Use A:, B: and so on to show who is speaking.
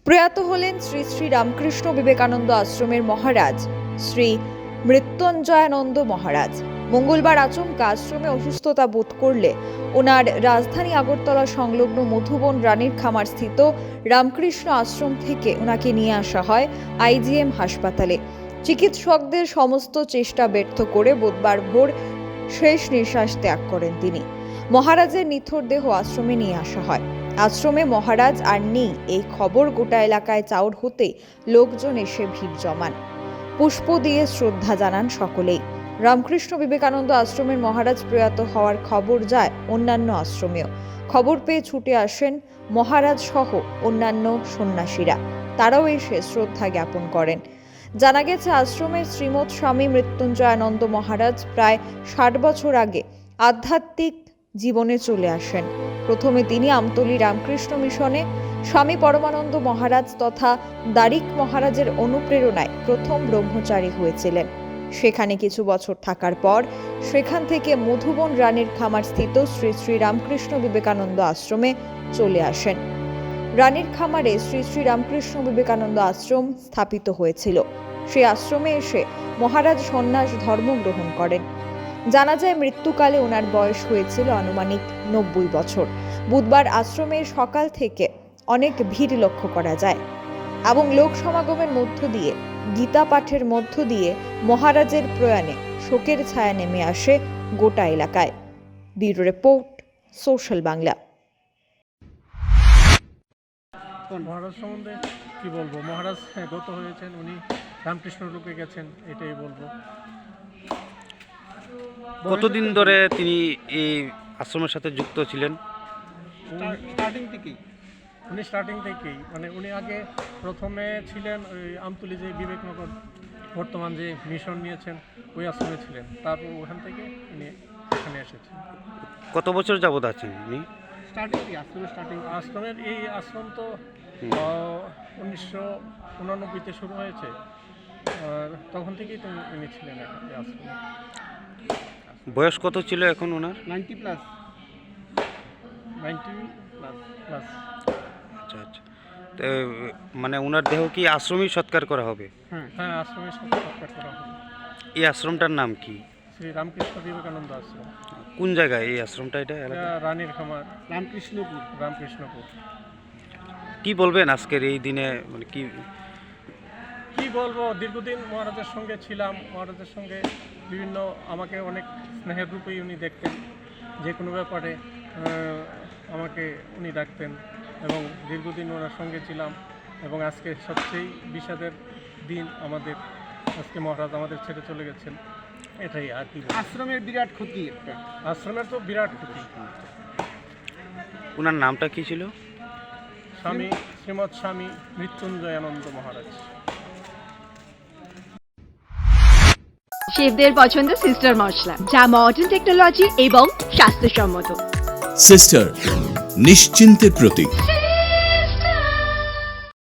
A: প্রয়াত হলেন শ্রী শ্রী রামকৃষ্ণ বিবেকানন্দ আশ্রমের মহারাজ শ্রী মৃত্যুঞ্জয়ানন্দ মহারাজ। মঙ্গলবার আচমকা আশ্রমে অসুস্থতা বোধ করলে ওনার রাজধানী আগরতলা সংলগ্ন মধুবন রানীর খামার স্থিত রামকৃষ্ণ আশ্রম থেকে ওনাকে নিয়ে আসা হয় আইজিএম হাসপাতালে। চিকিৎসকদের সমস্ত চেষ্টা ব্যর্থ করে বুধবার ভোর শেষ নিঃশ্বাস ত্যাগ করেন তিনি। মহারাজের নিথর দেহ আশ্রমে নিয়ে আসা হয়। আশ্রমে মহারাজ আর নেই এই খবর গোটা এলাকায় চাউর হতে লোকজন এসে ভিড় জমান। পুষ্প দিয়ে শ্রদ্ধা জানান সকলেই। রামকৃষ্ণ বিবেকানন্দ আশ্রমের মহারাজ প্রয়াত হওয়ার খবর যায় অন্যান্য আশ্রমেও। খবর পেয়ে ছুটে আসেন মহারাজ সহ অন্যান্য সন্ন্যাসীরা, তারাও এসে শ্রদ্ধা জ্ঞাপন করেন। জানা গেছে আশ্রমের শ্রীমৎ স্বামী মৃত্যুঞ্জয়ানন্দ মহারাজ প্রায় 60 বছর আগে আধ্যাত্মিক জীবনে চলে আসেন। প্রথমে তিনি আমতলী রামকৃষ্ণ মিশনে স্বামী পরমানন্দ মহারাজ তথা দারিক মহারাজের অনুপ্রেরণায় প্রথম ব্রহ্মচারী হয়েছিলেন। সেখানে কিছু বছর থাকার পর সেখান থেকে মধুবন রানীর খামার স্থিত শ্রী শ্রী রামকৃষ্ণ বিবেকানন্দ আশ্রমে চলে আসেন। রানীর খামারে শ্রী শ্রী রামকৃষ্ণ বিবেকানন্দ আশ্রম স্থাপিত হয়েছিল। সেই আশ্রমে এসে মহারাজ সন্ন্যাস ধর্ম গ্রহণ করেন। জানা যায় মৃত্যুকালে ওনার বয়স হয়েছিল আনুমানিক 90 বছর। বুধবার আশ্রমের সকাল থেকে অনেক ভিড় লক্ষ্য করা যায় এবং লোক সমাগমের মধ্য দিয়ে গীতা পাঠের মধ্য দিয়ে মহারাজের প্রয়াণে শোকের ছায়া নেমে আসে গোটা এলাকায়। Bureau report, social Bangla.
B: Maharaj সম্বন্ধে কি বলবো? মহারাজ গত হয়েছেন, উনি রামকৃষ্ণ রূপে গেছেন, এটাই বলবো।
C: কতদিন ধরে তিনি এই আশ্রমের সাথে যুক্ত ছিলেন?
B: স্টার্টিং থেকেই মানে উনি আগে প্রথমে ছিলেন ওই আমতলী যে বিবেকনগর বর্তমান যে মিশন নিয়েছেন ওই আশ্রমে ছিলেন। তারপর ওখান থেকে উনি এখানে এসেছেন।
C: কত বছর যাবত আছেন উনি?
B: আশ্রমের এই আশ্রম তো 1989-তে শুরু হয়েছে, আর তখন থেকেই তো উনি ছিলেন এই আশ্রমে।
C: বয়স কত ছিল এখন ওনার?
B: 90 প্লাস।
C: আচ্ছা আচ্ছা। তো মানে ওনার দেহ কি আশ্রমেই সৎকার করা হবে?
B: হ্যাঁ, আশ্রমে সৎকার করা হবে।
C: এই আশ্রমটার নাম কি?
B: শ্রী রামকৃষ্ণ বিবেকানন্দ আশ্রম।
C: কোন জায়গায় এই আশ্রমটা? এটা
B: রানীর খামার, রামকৃষ্ণপুর।
C: কি বলবেন আজকের এই দিনে? মানে
B: কি বলবো, দীর্ঘদিন মহারাজের সঙ্গে ছিলাম। মহারাজের সঙ্গে বিভিন্ন আমাকে অনেক স্নেহের রূপেই উনি দেখতেন। যে কোনো ব্যাপারে আমাকে উনি ডাকতেন এবং দীর্ঘদিন ওনার সঙ্গে ছিলাম। এবং আজকে সবচেয়ে বিষাদের দিন আমাদের, আজকে মহারাজ আমাদের ছেড়ে চলে গেছেন। এটাই আর কি।
D: আশ্রমের বিরাট ক্ষতি একটা।
B: আশ্রমের তো বিরাট ক্ষতি।
C: ওনার নামটা কি ছিল?
B: শ্রীমৎ স্বামী মৃত্যুঞ্জয়ানন্দ মহারাজ।
E: শেফদের পছন্দ সিস্টার মশলা, যা মডার্ন টেকনোলজি এবং স্বাস্থ্যসম্মত।
F: সিস্টার, নিশ্চিন্তের প্রতীক।